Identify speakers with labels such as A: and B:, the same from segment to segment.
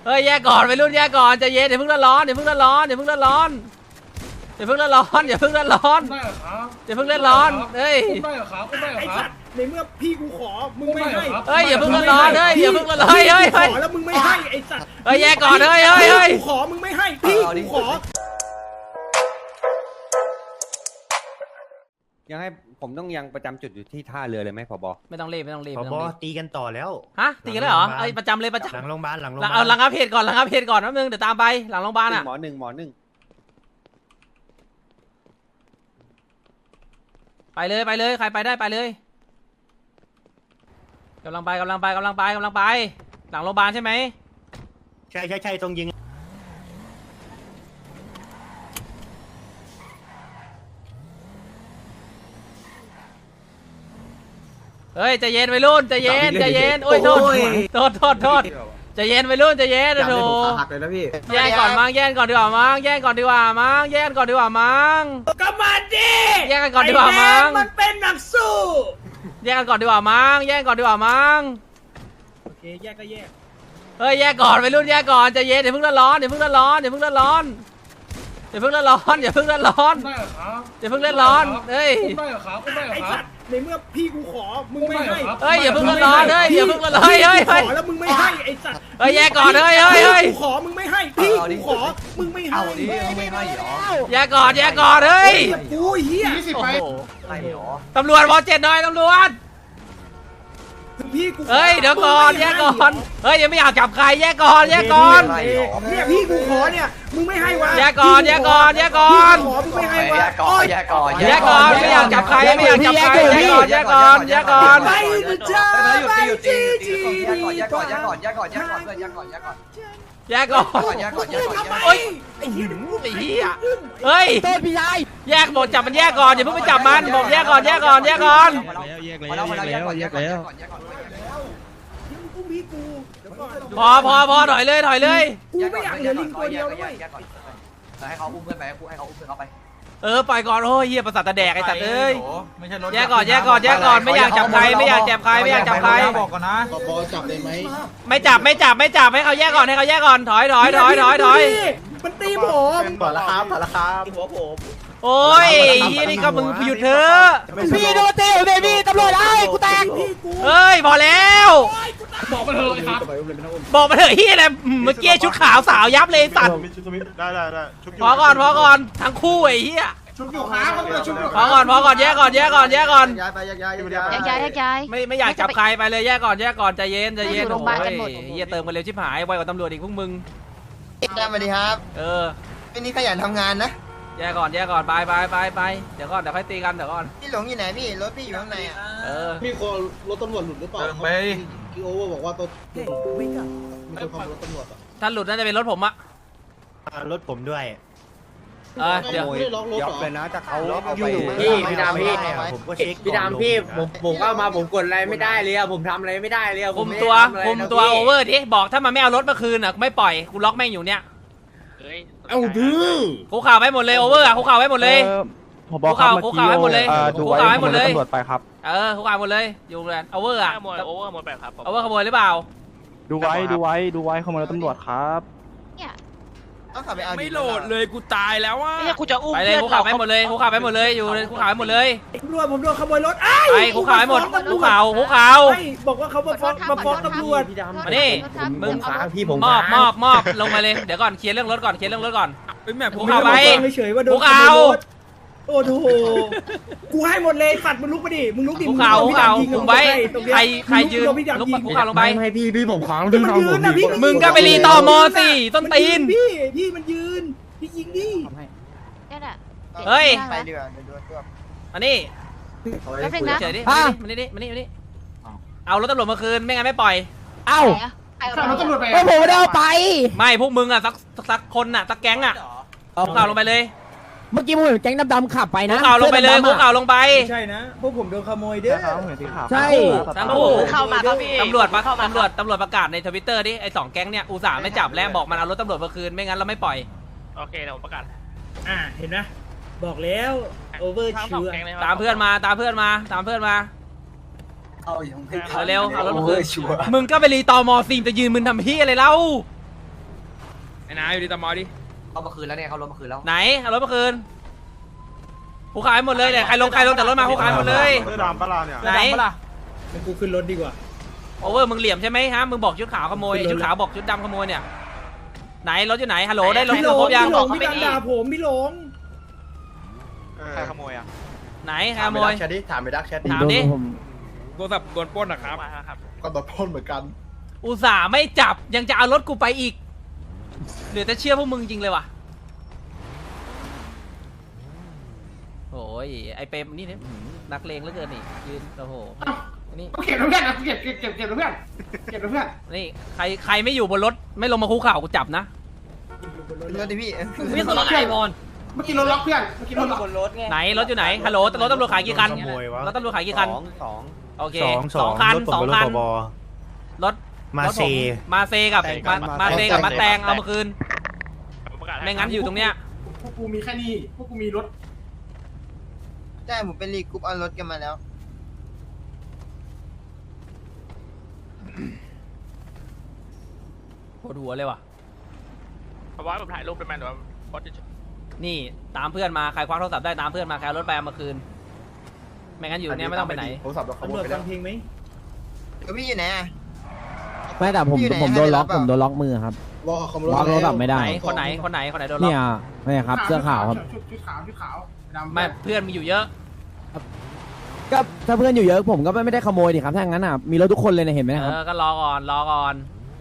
A: เฮ้ยแยกก่อนไปรุ่นแยกก่อนใจเย็นอย่าเพิ่งร้อนอย่าเพิ่งร้อนอย่าเพิ่งร้อนอย่าเพิ่งร้อนอย่าเพิ่งร้อนอย่าเพิ่งร้อนเฮ้ย
B: ไอ้สัตว์ในเมื่อพี่กูขอมึงไม่ให้
A: เฮ้ยอย่าเพิ่งร้อนเฮ้ยอย่าเพิ่งร้อนเฮ้ยเฮ้ย
B: ขอแล้วมึงไม่ให้ไอ้สัตว์
A: เฮ้ยแยกก่อนเฮ้ยเฮ้ยเฮ้ย
B: กูขอมึงไม่ให้พี่กูขอ
C: ยังให้ผมต้องยังประจำจุดอยู่ที่ท่าเรือเลยไหมผบ.
A: ไม่ต้องรีบไม่ต้องรีบ
D: ผบ.ตีกันต่อแล้ว
A: ฮะตีกันแล้วเหรอไอ้ประจำเลยประจำ
D: หลังโรงพยาบาล
A: เอาหลังอัพเพจก่อนหลังอัพเพจก่อนแป๊บนึงเดี๋ยวตามไปหลังโรงพยาบาลอ่ะ
C: หมอหนึ่ง
A: ไปเลยใครไปได้ไปเลยกำลังไปหลังโรงพยาบาลใช่ไหม
D: ใช่ตรงยิง
A: เฮ้ยใจเย็นวัยรุ่นใจเย็นโอ้ยโทษใจเย็นวัยรุ่นใจเย็นโถแย่งก่อนมั้ง
B: ก็มาดิ
A: แย่งกันก่อนดีกว่ามั้ง
B: มันเป็นนักสู้
A: แย่งกันก่อนดีกว่ามั้ง
B: โอเคแยกก็แยก
A: เฮ้ยแยกก่อนวัยรุ่นแยกก่อนใจเย็นอย่าเพิ่งร้อนอย่าเพิ่งร้อนเฮ้ย
B: ไอ้สัตว์ในเมื่อพี่กูขอมึงไม่ให้
A: เฮ้ยอย่าเพิ่งร้อนเฮ้ยอย่าเพิ่งร้อนเฮ้ย
B: ขอแล้วมึงไม่ให้ไอ้สัตว์
A: เฮ้ยแยกก่อนเฮ้ย
B: กูขอมึงไม่ให้พี่กูขอมึงไม่ให้
A: แยกก่อนเฮ้ย
B: กูเหี้ย
A: ตำรวจวอ7หน่อยตำรวจ
B: พี่กู
A: เฮ้ยเดี๋ยวก่อนแยกก่อนเฮ้ยยังไม่อยากจับใครแยกก่อน
B: เนี่ยพี่กูขอเนี่ยมึงไม่ให้วะ
A: แยกก่อน
B: ขอมึงไม่ให้วะ
A: แยกก่อนไม่อยากจับใครแยกก่อน
B: ไปจ้าไปจี
A: แยกก่อนโอ้ยไอ้เหี้ยเฮ้ยแยกบอกจับมันแยกก่อนอย่าเพิ่งไปจับมันบอกแยกก่อนพอถอยเลย
B: กูไม่อยากเหลือลิงตัวเดียวด้วย
E: ให้เขาอุ้มเพื่อนไปให้เขาอุ้มเพื่อนเขาไป
A: ปล่อยก่อนโอ้ยเหี้ยประสาทตาแดกไอ้สัตว์เอ้ยแยกก่อนไม่อยากจับใคร
F: บอกก่อนนะ
B: บอจับเลยไหม
A: ไม่จับให้เขาแยกก่อนถอย
B: มันตีผม
F: ถอดราคา
B: หัวผม
A: โอ้ยนี่ก็มึงหยุดเถอะ
B: พี่โดนตีเลยพี่ตำรวจไอ้กูแตก
A: เฮ้ยพอแล้ว
E: บอกมาเถอะครับ
A: เฮียอะไรเมื่อกี้ชุดขาวสาวยับเลยสัตว์
F: ได้
A: พอก่อนทั้งคู่ไอ้เฮีย
E: ชุบอยู่ครับ
A: พอก่อนแยกก่อน
B: ย้าย
A: ไม่อยากจับใครไปเลยแยกก่อนใจเย็นเฮียเติมกันเร็วชิบหายไวกว่าตำรวจอีกพวกมึง
E: ได้มาดีครับวันนี้ขยันทำงานนะ
A: แยกก่อนไปเดี๋ยวค่อยตีกันเดี๋ยวก่อน
E: พี่หลงอยู่ไหนพี่รถพี่อยู่ข้างใน
B: พี่คนรถตำรวจหลุดหรือเปล่าพี่โอบอกว่าตัวมีคนขับรถตำรวจ
A: ถ้าหลุดน่าจะเป็นรถผมอะ
D: รถผมด้วย
A: เดี๋ยว
C: เลยนะจะเขา
F: พี่ดำ
D: ผมก็เช็ค
F: พี่ดำพี่ผมเข้ามาผมกดอะไรไม่ได้เลยผมทำอะไรไม่ได้เลย
A: คุมตัวโอเวอร์ดิบอกถ้ามันไม่เอารถมาคืนอ่ะไม่ปล่อยกูล็อกแม่งอยู่เนี่ย
B: เอาดื้อ
A: คุกข่าวไว้หมดเลยโอเวอร์อ่ะคุกข่าวไว้หมดเลย
G: คุกข่าวให้หมดเลย
A: คุกข่าวให้หมดเลย
G: ตำรวจไปครับ
A: คุกข่าวหมดเลยอยู่เลยโอเวอร์อ่ะ
H: โอเวอร์หมดแบบครับ
A: โอเวอร์ขโมยหรือเปล่า
G: ดูไว้ขโมยรถตำรวจครับ
H: ไม่โหลดเลยกูตายแล้วว่ะ
A: กูจะอุ้มไปเลยคุกข่าวให้หมดเลยอยู่คุกข่าวให้หมดเลย
B: ผมโดนขโมยรถ
A: ไปคุกข่าวให้หมดคุกข่าว
B: บอกว่าเขามาฟ้องตำรวจ
A: มาดิมึง
D: พี่ผม
A: มอบลงมาเลยเดี๋ยวก่อนเคลียร์เรื่องรถก่อนคุกข่าวไป
B: คุกข่าวโอ้โหกูให้หมดเลยสัตว์มึงลุกไปดิมึงลุกดิ
A: คุกข่าวคุมไว้ใครยืนคุกข่าวลงไป
D: ให้พี่ผมค้าง
A: มึงก็ไปรีต่อมอสิต้นตีน
B: พี่มันยืนพี่ยิงดิ
A: เฮ้ย
E: ไปเรือ
A: อันนี้เฉยดิมานี่เอารถตำรวจมาคืนไม่งั้นไม่ปล่อย
B: รถตำรวจไปผมไม่ได้เอาไป
A: ไม่พวกมึงอ่ะสักคนอ่ะสักแก๊งอ่ะคุกข่าวลงไปเลย
B: เมื่อกี้ผมเห็นแก๊งดำๆขับไปนะ
A: คุกข่าวลงไปเลยคุกข่าวลงไป
B: ใช่นะพวกผมโดนขโมยเด้อ
A: ใช่ทั้งคู่เข้ามาครับพี่ตำรวจประกาศในทวิตเตอร์ดิไอ้2แก๊งเนี่ยอุตส่าห์ไม่จับแล้วบอกมันเอารถตำรวจมาคืนไม่งั้นเราไม่ปล่อย
H: โอเคเดี๋ยวผมประกาศ
B: เห็นไหมบอกแล้วโอเวอร์ชิว
A: ตามเพื่อนมา
E: เอาอย่าง
A: เร็วเอารถมาคืนมึงก็ไปรีตอมอซีมจะยืนมึงทำเฮียอะไรเล่า
H: ไอ้นายอยู่ดีตามอดิ
F: เขามาคืนแล้วเนี่ยเขาลดมาคืนแล้ว
A: ไหนเอารถมาคืนกูขายหมดเลยเนี่ยใครลงจากรถมากูขายหมดเลย
G: เสื้อดำปะล่ะเนี่ย
A: ไหน
B: กูขึ้นรถดีกว่า
A: โอเวอร์มึงเหลี่ยมใช่ไหมฮะมึงบอกชุดขาวขโมยไอ้ชุดขาวบอกชุดดำขโมยเนี่ยไหนรถอยู่ไหนฮัลโหลได้รถครบยัง
B: พี่ดังด่าผมพี่หลง
G: ใครขโมยอ่ะ
A: ไหนขโมย
E: ถามไปดักแชท
A: ถามดิ
H: โทรศัพท์โดนปล้นนะครับ
B: ก็โดนพ่นเหมือนกัน
A: อุตส่าห์ไม่จับยังจะเอารถกูไปอีกเหลือแต่เชื่อพวกมึงจริงเลยว่ะโอ้ยไอเปรมนี่เนี่ยนักเลงเหลือเกินนี่ยืนโอ้โหนี่
B: เก็บเพื่อนนะเก็บเพื่อนเก็บเพื่อน
A: นี่ใครไม่อยู่บนรถไม่ลงมาคุกเข่ากูจับนะ
E: รถดิพี่
A: พี่สนใจบอล
B: เมื่อกี้รถล็อกเพื่อนเมื่อกี้รถล็อก
A: ไหนรถอยู่ไหนฮัลโหลรถตำรวจขายกี่คัน
D: ขโมยวะ
A: รถตำรวจขายกี่คัน
C: สอง
A: โอเค
D: สอง
A: คัน
D: รถผม
A: สอง
D: เป็นร
A: คั
D: ถ
A: น
D: ผบ
A: รถ
D: มาเซ
A: รถผมมาเซกับมาเซกับมาแตงเอามาคืนไม่งั้นอยู่ตรงเนี้ย
B: พวกกูมีแค่นี้พวกกูมีรถ
E: ใช่ผมเป็นรีกรุ๊ปเอารถกันมาแล้ว
A: ปวดหัวเลยว่ะ
H: เพราะว่าผมถ่ายรูปเป็นแมนหรือว่าโพสต์เฉย
A: นี่ตามเพื่อนมาใครคว้าโทรศัพท์ได้ตามเพื่อนมาใครเอารถไปเอามาคืนไม่งั้นอยู่เนี้ยไม่ต้องไปไหน
B: ตำรวจฟังเพลงไหม
E: แล้วพี่อยู่ไหนอ่ะ
I: ไม่แต่ผม
E: พี่อยู่ไหน
I: ผมโดนล็อก
E: ให้ไปรับ
I: ผมโดนล็อกมือครับ
B: รอเขา
I: ล็อกโทรศัพท์ไม่ได้
A: ไหนคนไหนโดนล็อก
I: เนี่ยไม่ครับเสื้อขาวครับ
B: ชุดขาวดำ
A: ไม่เพื่อนมีอยู่เยอะ
I: ก็ถ้าเพื่อนอยู่เยอะผมก็ไม่ได้ขโมยดิครับถ้างั้นอ่ะมีรถทุกคนเลยเนี่ยเห็นไหมครับ
A: ก็รอก่อน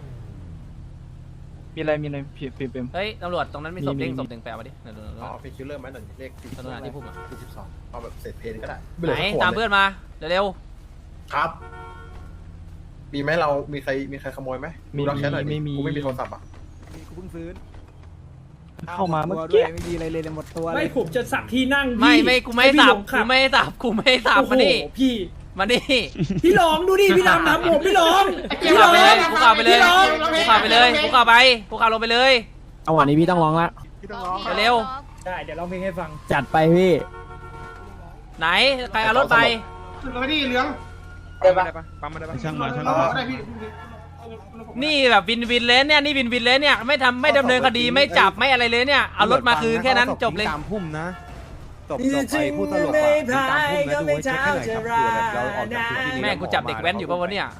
G: มีอะไรพี่เปม
A: เฮ้ยตำรวจตรงนั้นมีศพ
I: มี
A: เด้งศพหนึ่งแปลมาดิเดี๋ยว
B: อ๋อเป็นคิลเลอร์ไหมหน่อยเลข
A: ตำรวจที่พุ่มอ่ะ
B: 12เอาแบบเศษเพลก็ได้
A: ไหนตามเพื่อนมาเร็ว
B: ครับมีไหมเรามีใครขโมยไหมดูรักแชทหน่อยดิกูไม่มีโทรศัพท์อ่ะ
I: กูเพิ่งซื้อ
G: เข้ามาเมื่อกี้
I: ไม่มีอะไรเลยหมดตัว
B: ไม่ผมจะสับที่นั่ง
A: ๆไม่กูไม่สับมาดิ
B: พี่
A: มาดิ
B: พี่หลงดูดิพี่ดำทำผมพี่หลง
A: กูข่าวไปเลยกูข่าวไปเลยกูข่าวไปเลยกูข่าวไปกูข่าวลงไปเลย
I: เอาวันนี้พี่ต้องร้องละ
A: เร็ว
B: ได้เดี๋ยวร้องเพลงให้ฟัง
I: จัดไปพี่
A: ไหนใครเอารถไป
B: ขึ้นรถดิเหลือง
H: ได้ปะปั๊มมาได้ปะ
G: ช่างมา
B: ได้พี่
A: นี่แบบวินเลยเนี่ยนี่วินเลยเนี่ยไม่ดำเนินคดีไม่จับไม่อะไรเลยเนี่ยเอารถมาคืนแค่นั้นจบเลย
C: ตามพุ่มนะจบไปพูดตลกอ่ะตามพุ่มนะดูไว้เช็คให้หน่อยครับเผื่อแบบเราออกจากพื้นที่นี้
A: แม่งกูจับเด็กแว้นอยู่ป่าวะเนี่ย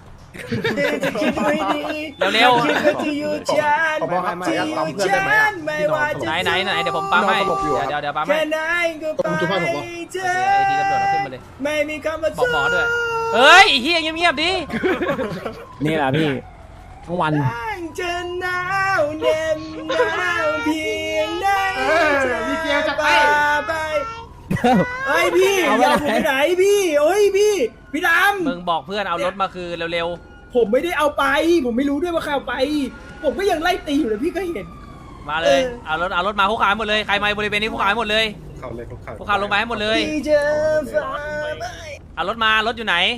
A: เร็ว
B: ขอบอกครับมาตามเพื่อนได้ไหมอ่ะ
A: ไหนเดี๋ยวผมปั๊มให้เดี๋ยวปั๊มให้
B: ผมจุดไฟผมบอก
A: ไอ้ที่ตำรวจเอาขึ้นมาเลย
B: ไม่มีคำว่า
A: บอกหมอด้วยเฮ้ยเฮียเงียบๆดิ
I: นี่แหละพี่ทั้งวัน
B: จะหนาวเหน็บหนาวเพียงไหนมีเกียวจะไปเฮ้ยพี่อย่าผมไปไหนพี่โอ้ยพี่ดำ
A: มึงบอกเพื่อนเอารถมาคืนเร็ว
B: ผมไม่ได้เอาไป ผมไม่รู้ด้วยว่าใครเอาไป ผมก็ยังไล่ตีอยู่เลยพี่ก็เห็น
A: ๆมาเลยเอารถมาคุกขายหมดเลยใครมาบริเวณนี้คุกขายหมดเลย
B: เขาเลยเขา
A: คุกขายลงไปให้หมดเลยเอารถอยู่ไหน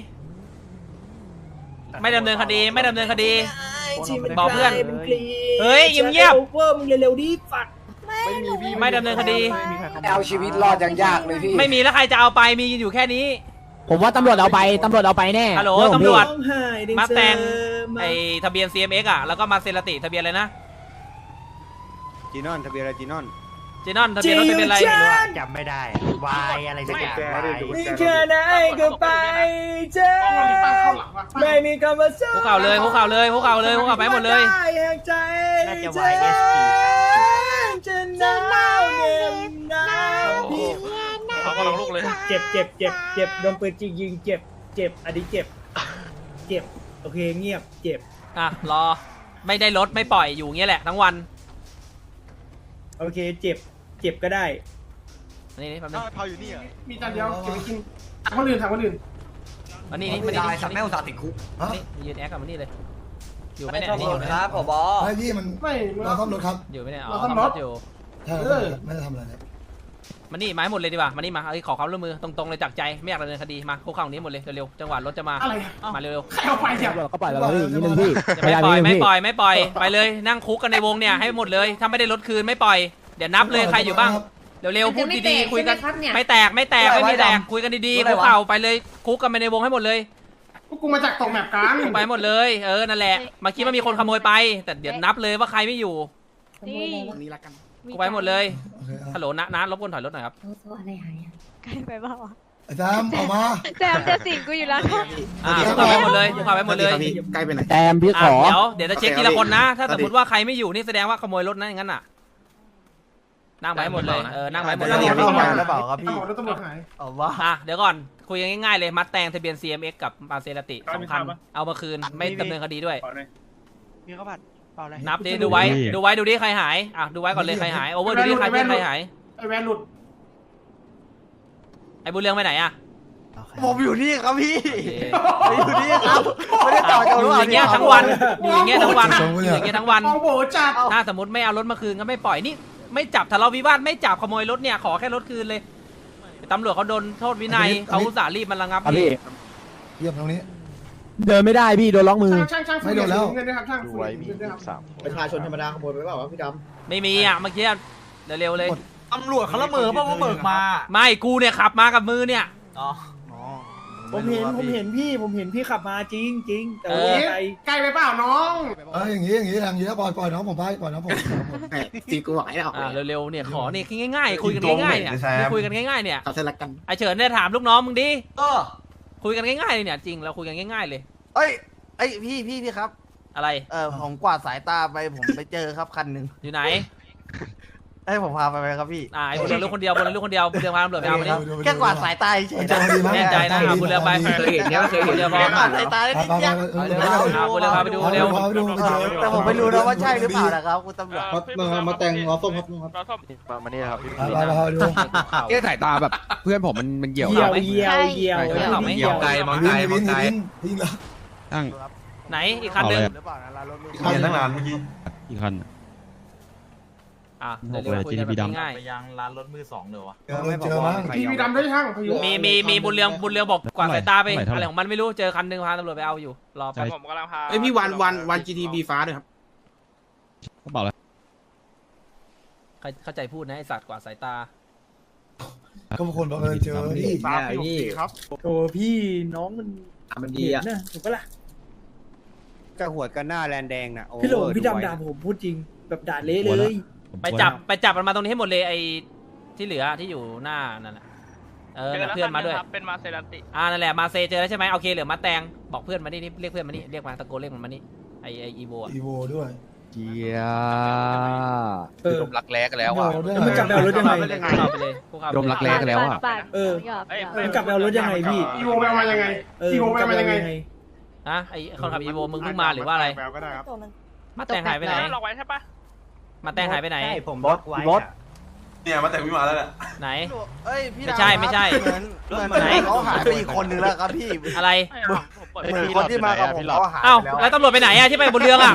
A: ไม่ดำเนินคดีบอกเพื่อนเฮ้ยเงียบ
B: เวอร์มึงเร็วๆดิฝัก
A: ๆไม่ดำเนินคดี
I: เอาชีวิตรอดยังยากเลยพี่
A: ไม่มีแล้วใครจะเอาไปมีอยู่แค่นี้
I: ผมว่าตำรวจเอาไปแน่
A: ฮัลโหล
I: เรื่องของ
A: ตำรวจ
I: พี่
A: มาแตงไอทะเบียน CMX อ่ะแล้วก็มาเซราติทะเบียนอะไรนะ
C: จีนอนทะเบียนอะไรจีนอน
A: จีนอนทะเบียนรถทะเบียนอะไร
D: ไม่รู้อะจำไม่ได้วายอะไรสักอย่างวาย
B: มีแค่ไหนก็ไปเจอไม่มีคำว่าสู้
A: คุกเข่าเลยคุกเข่าไปหมดเลย
D: น่าจะ YSP
B: จะหนาวเหน็บหนาวเพียง
H: เขาก็ลงลูกเลย
B: เจ็บโดนปืนยิงเจ็บอันนี้เจ็บโอเคเงียบเจ็บ
A: อ่ะรอไม่ได้รถไม่ปล่อยอยู่เงี้ยแหละทั้งวัน
B: โอเคเจ็บก็ได้
A: นี่แป๊บนึง
B: มีจานเดียวเก็บไปกินถามคนอื่น
A: มานี่สักแม่อุตส่าห์ติดคุกนี่ยืนแอคกับมานี่เลยอยู่ไหมเนี่ยนี่อยู่ไหม
E: ครับผบ
J: ไม่พี่มัน
B: ไม่
J: เราซ่อมรถครับ
A: อยู่ไหมเนี่ยอ๋อ
B: เราซ่อมรถ
A: อยู่
J: ใช่ไม่ได้ทำอะไรครับ
A: มานี่มาให้หมดเลยดีกว่ามานี่มาขอความร่วมมือตรงๆเลยจากใจไม่อยากดำเนินคดีมาคุกเข่านี้หมดเลยเร็วๆจังหวะรถจะมา
B: อะไร
A: มาเร็ว
B: ใครเอาไปเนี่ย
I: ตำรวจก็ปล่อยเราพี่นิดนึงพี่
A: ๆจะไม่ปล่อยไม่ปล่อยไปเลยนั่งคุกกันในวงเนี่ยให้หมดเลยถ้าไม่ได้รถคืนไม่ปล่อยเดี๋ยวนับเลยใครอยู่บ้างเร็วๆพูดดีๆคุยกันไม่แตกไม่มีแตกคุยกันดีๆคุกเข่าไปเลยคุกกันไปในวงให้หมดเลย
B: พวกกูมาจากตกแมปกัน
A: ไปหมดเลยนั่นแหละเมื่อกี้มันมีคนขโมยไปแต่เดี๋ยวนับเลยว่าใครไม่อยู่
K: นี่
B: นี้ละกัน
A: กูไปหมดเลย
J: โอเคครับ
A: ฮัลโหลน้ารบกวนถอยรถหน่อยครับ
K: อะไรหายอ่ะใกล้ไปบ้าง
J: ไอ้แซมออกมา
K: แซมจะสิงกูอยู่แล้ว
A: กูขับไปหมดเลยกูขับไปหมดเลย
B: ใกล้ไปไหน
I: แตมพี่ขอ
A: เดี๋ยวจะเช็คทีละคนนะ ถ้าสมมติว่าใครไม่อยู่นี่แสดงว่าขโมยรถนะอย่างนั้นน่ะ นั่งไปหมดเลยนั่งไปหมดเลย
E: เข้ามาแล้วเปล่าครับพี่
G: รถตำรวจหาย
E: เอาว่า
A: เดี๋ยวก่อนคุยกันง่ายๆเลยมัดแตงทะเบียน CMX กับมาเซราติ2 คันเอามาคืนไม่ดำเนินคดีด้วย
D: มีข้าวผัดเปล่าเลย
A: นับดิดูไว้ดูดิใครหายดูไว้ก่อนเลยใครหายโอเวอร์ดูดิใครเพื่อนใครหาย
G: ไอแวนหลุด
A: ไอ้บุญเรืองไปไหนอะ
E: ผมอยู่นี่ครับพี่อยู่นี่ครับไม่ได้ต่อจาก
A: อยู่อย่างเงี้ยทั้งวันอยู่อย่างเงี้ยทั้งวันอยู่อย่างเงี้ยทั้งวัน
G: มองโบจัด
A: ถ้าสมมติไม่เอารถมาคืนก็ไม่ปล่อยนี่ไม่จับทะเลาะวิวาทไม่จับขโมยรถเนี่ยขอแค่รถคืนเลยตำรวจเขาโดนโทษวินัยเขาอุตส่าห์รีบมันระงับ
I: พี่
J: เยี่ยมตรงนี้
I: เดินไม่ได้พี่โดนล็อกมือ
G: ช่าง
J: ไม่โดนแล้ว
G: เงินนะครับช่าง
C: ดูไว้มี3
B: ประชาชนธรรมดาขโมยไปเปล่าวะพี่ด
A: ไม่มีเมื่อกี้เร็วๆเลย
E: ตำรวจเขาละเมอเพราะว่าเบิกมา
A: ไม่กูเนี่ยขับมากับมือเนี่ย
B: ำผมเห็นพี่ขับมาจริงแต่ว่าไกล
G: ใกล้ไปเปล่าน้อง
J: อย่างนี้แล้วปล่อยน้องผมไปปล่อยน้องผม
B: ตีกูไหวแล้ว
A: เร็วๆเนี่ยขอเนี่ยง่ายๆคุยกันง่ายๆเนี่ยคุยกันง่ายๆเนี่ย
B: เอาเสร็จละกัน
A: ไอเฉินเนี่ยถามลูกน้องมึงดิ
E: เออ
A: คุยกันง่ายๆเลยเนี่ยจริงเราคุยกันง่ายๆเลย
E: เอ้ยพี่ครับ
A: อะไร
E: ผมกวาดสายตาไปผมไปเจอครับคันหนึ่ง
A: อยู่ไหน
E: ให้ผมพาไปไหมครับพี่
A: ไอ้บุญเรืองลูกคนเดียวบุญเรืองลูกคนเดียวบุญเรืองพาตำรวจไปเอามาดิ
E: แค่กวาดสายตาเฉย
A: แน่ใจนะบุญเรืองไป
B: เคยเห็นเนี่ยเคยเห็น
A: เดี๋ยวพอ
E: แค่กวาดสายตาได้นิดเดียว
A: บุญเรืองพาไปดูเร็ว
E: แต่ผมไม่รู้นะว่าใช่หรือเปล่านะครับคุณตำรวจ
B: มาแต่งล้อส้มครับ
H: เราส้ม
C: มานี่ครับพี่
J: ไปดู
C: เอ๊ะสายตาแบบเพื่อนผมมันเหี่ยว
B: เยี่ยว
J: วิ่งแล้ว
C: ตั้ง
A: ไหนอีกคันหนึง
E: หรือเปล่านะร้านรถ
J: เห็นตั้งนานเมื่อกี้
C: อีกคัน
A: เดี๋ยวคุยกันแบบง่าย
D: ไปยังร้านรถมือ2เลยวะ
J: เจอมั้ง
G: ทีวีดำด้วยช่างพายุ
A: มีบุญเรืองบอกกวาดสายตาไปอะไรของมันไม่รู้เจอคันหนึงพาตำรวจไปเอาอยู่รอไป
H: ผมกำลังพา
B: เอ้ยพี่วัน GTB ฟ้าด้วยครับ
C: เขาบอกแล้ว
A: เข้าใจพูดนะไอสัตว์กวาดสายตา
J: ก็บางคนบอกเจอพี่
G: ครับ
B: โอ้พี่น้องมันดีอ่ะถูกปะล่ะ
C: กระหัวกันหน้าแลนแดงน่ะ
B: พี่หลงพี่ดำด่าผมพูดจริงแบบด่าเละเลย
A: ไปจับมันมาตรงนี้ให้หมดเลยไอที่เหลือที่อยู่หน้านั่นแหละเพื่อนมาด้วย
H: เป็นมาเซราติ
A: นั่นแหละมาเซเจอแล้วใช่ไหมโอเคเหลือมาแตงบอกเพื่อนมานี่เรียกเพื่อนมานี่เรียกมาตะโกนเรียกมันมานี่ไออีโว
J: อีโวด้วย
C: เจีย
J: ดมรักแร้กันแล้วอ่ะ
B: มันกลับไปเอารถยังไง
A: เข้าไปเลยพวกเขา
C: ดมรักแร้กันแล้วอ่ะ
B: มันกลับไปเอารถยังไงพี่
G: อีโวไปเอามายังไงอีโวไปเอามายังไง
A: ไอคนขับอีโวมึงเพิ่งมาหรือว่าอะไร
G: แปลก็ได้ครับ
A: มาแตงหายไปไหน
H: ล็อกไว้ใช่ปะ
A: มาแตงหายไปไหน
D: ผมบอสไว้
E: เนี่ยมาแต่พี่มาแล้วแหละ
A: ไหน
E: เอ้ยพี่
A: ไม่ใช่
E: เหมือนเขาหายไปอีกคนนึงแล้วครับพี่
A: อะไร
H: ผมเปิด
E: เหมือนคนที่มากับผมเขาหาย
A: เอ้า
E: ไปแล้ว
A: แล้วตำรวจไปไหนอะที่ไปบนเรืออะ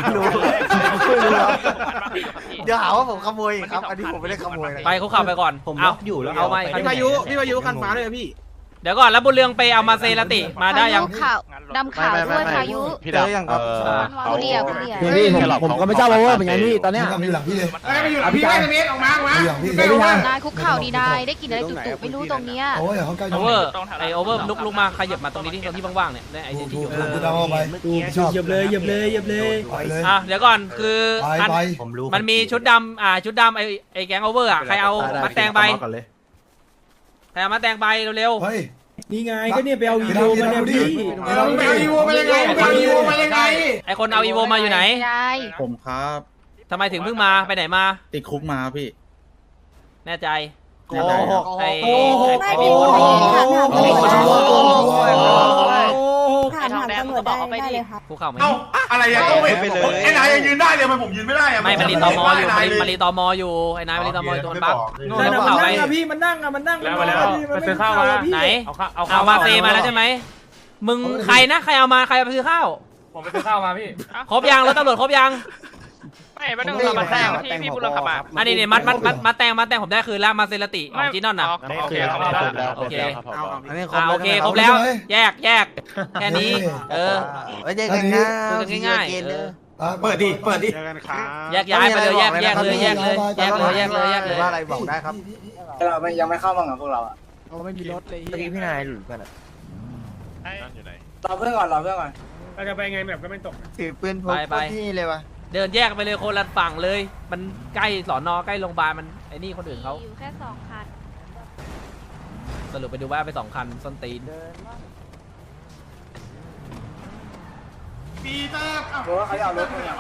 E: เดี๋ยวหาว่าผมขโมยอีกครับ อันนี้ผมไม่ได้ขโมยนะ
A: ไปเขาขับไปก่อนเอาเอาไป
B: พี่พายุคันฟ้าเลยพี่
A: เดี๋ยวก่อนแล้วบนเรืองไปเอามาเซราติมาได้ยัง
K: ขาวดำขาวด้วยพายุ
E: พี่เจอยังครับ
K: กูเดียว
I: พี่ผมก็ไม่เจ้าโอเวอร์เหมือนกันพี่ตอนเนี้ย
J: ทำอยู่หลังพี่เลย
G: ไปอยู่หลังพี่ได้เมตรออกมา
K: นายคุกเข่าดีนายได้กินอะไรจุกๆไม่รู้ตรงเนี้ย
J: โอ้ยเขาใกล้
A: โอเวอร์โอเวอร์ลุกมาขยับมาตรงนี้ที่ตรงที่ว่างๆเนี่ยไอ้ที่อยู่
J: จะเอาไป
B: เหยียบเลย
J: ไปเลย
A: เดี๋ยวก่อนคือ
J: ไป
A: มันมีชุดดำชุดดำไอ้แก๊งโอเวอร์ใครเอามาแตงไปใครเอามาแตงไปเร็ว
J: เฮ้ย
B: นี่ไงก็เนี่ยไปเอาอีโวมาเนี่ยพี่
G: ไปเอาอีโวมายังไงไปเอาอีโวมายังไง
A: ไอ้คนเอาอีโวมาอยู่ไหน
B: ผมครับ
A: ทำไมถึงเพิ่งมาไปไหนมา
B: ติดคุกมาพี่
A: แน่ใจ
E: โกหก
A: ไอ้
K: ไม่พี่พูดไปยิงค่ะถามตำรวจได้เลยค่ะ
A: ภูเขาไหม
G: อะไรยังต้องไปเลยไอ้นายยังยืนได้เลยมันผมยืนไม่ได้อะ
A: ไม่มันรีตอมออยู่มันรีตอมออยู่ไอ้นายมันรีตอมออยู่ตัวมันบัฟ
B: นั่น
A: ภู
B: น่ะ
A: เขาไป
B: พี่มันนั่งไปซื้อข้าว
A: ไหนเอามาเซมาแล้วใช่ไหมมึงใครนะใครเอามาใครเอาไปซื้อข้าว
H: ผมไปซื้อข้าวมาพี่
A: ครบยังรถตำรวจครบยัง
H: ไม่ต้องเรามาแทงที่พี่บุญเรืองขับมา
A: อันนี้เนี่ยมาแตงผมได้คืนแล้วมาเซราติของจีนอนน่ะ
H: โอเคครับ
A: โอเค
E: อันนี้
A: โอเคครบแล้วแยกแค่นี้
E: ไว้เจอกันนะ
J: เปิดดิ
G: เจอกันครับ
A: แยกย้ายไปเลยแยกเลย
E: ว่าอะไรบอกได้ครับ
B: เรายังไม่เข้ามากับพวกเราอ่ะ
I: ไม่มีรถเลย
E: เมื่อกี้พี่นายหลุดกัน
B: รอเพื่อนก่อน
G: เราจะไปไงแบบก็ไม่ตก
E: ถือปืนพกที่เลยวะ
A: เดินแยกไปเลยคนละฝั่งเลย มันใกล้สอนอใกล้โรงพยาบาลมันไอ้นี่คนอื่นเขา
K: อยู่แค่2 คัน
A: สรุปไปดูว่าไป2 คันส้นตีน
G: ปีเตอร์
E: เขาจะเอารถมา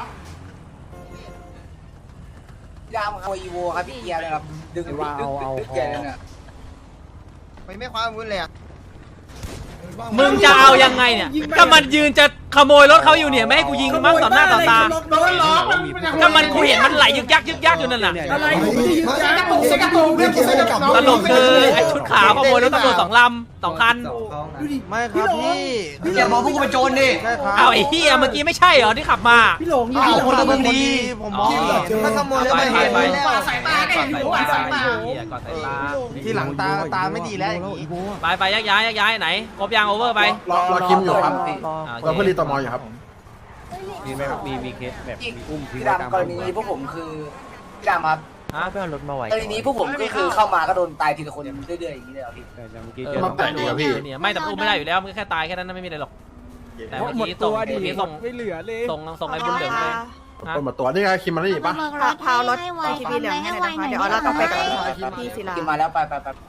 E: พี่ดามครับอีโวครับพี่เกียร์เลยครับดึงดึงเกียร์เลยเนี่ยไม่ความวุ่นเลยอ่ะ
A: มึงจะเอายังไงเนี่ยถ้ามันยืนจะขโมยรถเขาอยู่เนี่ยไม่ให้กูยิงมั้งต่อหน้าต่อตา
B: โดนล้อ
A: ถ้ามันกูเห็นมันไหลยึกยักอยู่นั่นน่ะ
B: อะไรผมไม่ได้ยึดยักษ์
A: ตลกคือไอ้ชุดขาวขโมยรถตำรวจ2 ลำ 2 คัน
B: ดูดิ
E: ไม่ครับพี่
F: อย่ามองพวกกูเป็นโจรดิ
E: ใช่ครับ
A: เอาไอ้เหี้ยเมื่อกี้ไม่ใช่เหรอที่ขับมา
B: พี่หลงนี่
E: เอาคนละเมืองดีผมมองถ้าขโมยแล้วไม่เห็น
A: ไป
E: แล้ว
B: สายตาได้อยู่สายตา
A: ก่อนสายตา
E: ที่หลังตาไม่ดีแล้วอย่างนี้
A: ไปแยกย้ายไหนครบยังโอเวอร์ไป
G: รอคิมอยู่ครับ
A: โอ
G: เรา
A: เค
G: เพื่อนรีตอมออยู่ครับ
C: มีไหมครับมีเคสแบบมีอุ้มทิ้ง
E: พี่
C: ไว้ตาม
E: ดำกรณีนี้พวกผมคือพี่ดำครับ
A: ฮะ
C: ไม่เอารถมาไว้
E: กรณีนี้พวกผมก็คือเข้ามาก็โดนตายทีละคนเรื่อยๆอย่างนี้เลยเหรอพี่
C: แต่เมื่อกี้
A: เอ
C: เจ
A: อ
C: อ
G: มาแปะดีครับพี่
A: เนี่ยไม่แต่อุ้มไม่ได้อยู่แล้วมันแค่ตายแค่นั้นไม่มีอะไรหรอกแต่เมื่อ
I: หมด
A: กี้
I: ตั
A: ส่ง
I: วดิ
A: เมื่อกี้ส่ง
I: ไม่เหลือเลย
A: ส่งไอ้บุญเหลืองไป
G: คนหมดตัวนี่ไงคิมมันนี่ปะ
K: พาวรถทีวีเหลืองให้หน่อยนะคะเดี๋ยวเราต้องไปกับพี่ศิลา
E: กินมาแล้วไป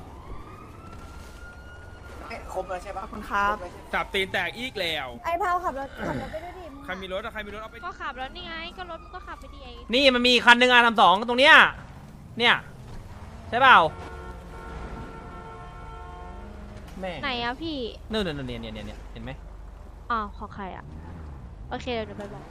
E: ครบแล้วใช่ปะ
K: ขอบคุณครับ
A: จับตีนแตกอีกแล้ว
K: ไอ้พาวขับรถไปด้วยดิ
A: ใครมีรถเอาไป
K: ก็ขับแล้วนี่ไงก็รถก็ขับไปดีไอ้
A: นี่มันมีคันหนึ่งR32ตรงเนี้ยเนี่ยใช่เปล่าแม่
K: ไหนอะพี่
A: นู่นเนี่ยเห็นไหม
K: อ๋อของใครอะโอเคเดี๋ยวไปบอก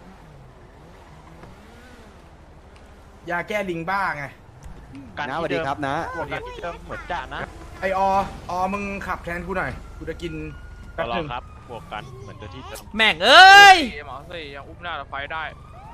F: ยาแก้ลิงบ้าไง
C: นะสวัสดีครับนะ
H: เหมือนจ่านะ
F: ไอมึงขับแทนกูหน่อยกูจะกินแป๊บ
H: รอ
F: นึง
H: ครับบวกกันเหมือนตัวที่เดิม
A: แม่งเอ้ย
H: หมอสี่ยังอุ้มหน้าเราไฟได้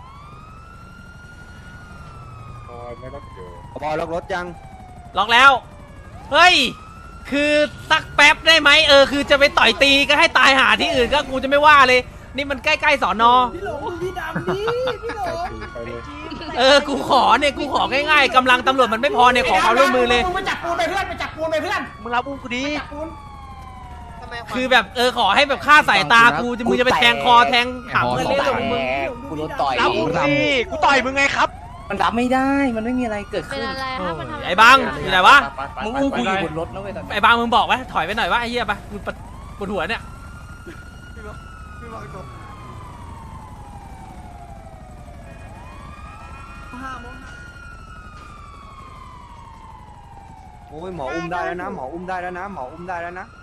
C: บอลล็อกรถยัง
A: ล็อกแล้ว เฮ้ย คือสักแป๊บได้ไหมคือจะไปต่อยตีก็ให้ตายหาที่อื่นก็กูจะไม่ว่าเลย นี่มันใกล้ๆสอนอ
B: พี่หลงพี่ดำนี่พี่หลง
A: กูของ่ายๆกำลังตำรวจมันไม่พอเนี่ยขอความร่วมมือเลย
B: ไปจับปูนไปเพื่อนไปจับปูนไปเพื่อน
E: มึงรับอุ้มกูดี
A: คือแบบขอให้แบบฆ่าสายตากูมึงจะไปแทงคอแทงหางเพื่อนเล่นหรอมึง
E: กูโดนต่อย
C: รับอุ้มดิ
E: กูต่อยมึงไงครับ มันรับไม่ได้มันไม่มีอะไรเกิด
K: เป็น
E: ขึ้น
K: อะไรคะมันทำ
A: ไอ้บังอยู่ไหนวะ
E: มึงอุ้มกูอยู่บนรถนะเว้ยตอนนี้
A: ไอ้บังมึงบอกไว้ถอยไปหน่อยวะไอ้เหี้ยปะกูปวดหัวเนี่ย
C: โอ้ยหมออุ้มได้แล้วนะหมออุ้มได้แล้วนะหมออุ้มได้แล้วนะ